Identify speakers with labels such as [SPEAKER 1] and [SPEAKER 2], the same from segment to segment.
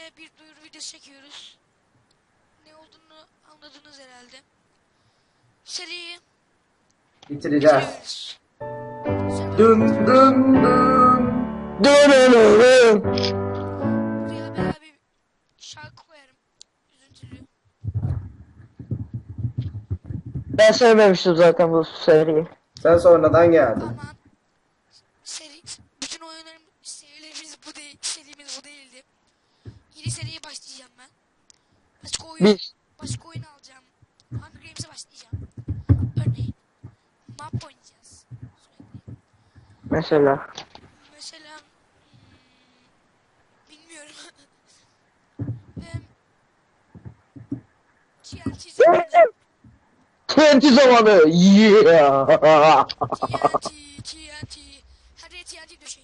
[SPEAKER 1] Yine bir duyuru videosu çekiyoruz. Ne olduğunu anladınız herhalde. Seriyi
[SPEAKER 2] Bitireceğiz.
[SPEAKER 1] bitiriyoruz.
[SPEAKER 2] Dın dın dın.
[SPEAKER 3] Dönüyorum.
[SPEAKER 1] Buraya bayağı bir şarkı koyarım. Üzüntülü.
[SPEAKER 3] Ben sevmemiştim zaten bu seriyi.
[SPEAKER 2] Sen sonradan geldin.
[SPEAKER 1] Aman. Bütün serilerimiz bu değil. Serimiz bu değildi. Yeni seriye başlayacağım ben. Başka oyun alacağım. Hunger Games'e başlayacağım. Örneğin map oynayacağız. Sürekli.
[SPEAKER 3] Mesela.
[SPEAKER 1] Mesela bilmiyorum. Ben TNT zamanı.
[SPEAKER 3] TNT zamanı. Yeah.
[SPEAKER 1] TNT. Her yere TNT döşeyin.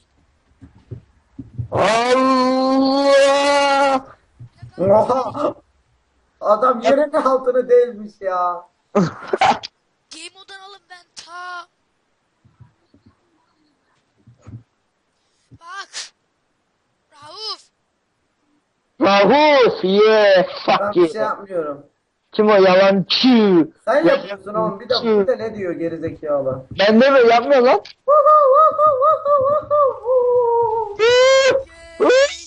[SPEAKER 3] Allah.
[SPEAKER 2] Oha! Adam yerin altını delmiş ya.
[SPEAKER 1] Game mode'dan alın ben ta. Bak. Rauf.
[SPEAKER 3] Rahuf. Yeah.
[SPEAKER 2] Ben
[SPEAKER 3] Fuck
[SPEAKER 2] bir şey
[SPEAKER 3] yeah.
[SPEAKER 2] yapmıyorum.
[SPEAKER 3] Kim o yalancı?
[SPEAKER 2] Sen yapıyorsun oğlum. Bir
[SPEAKER 3] Yalancı.
[SPEAKER 2] de ne diyor gerizekalı?
[SPEAKER 3] Ben de mi yapmıyor lan?
[SPEAKER 1] Yay.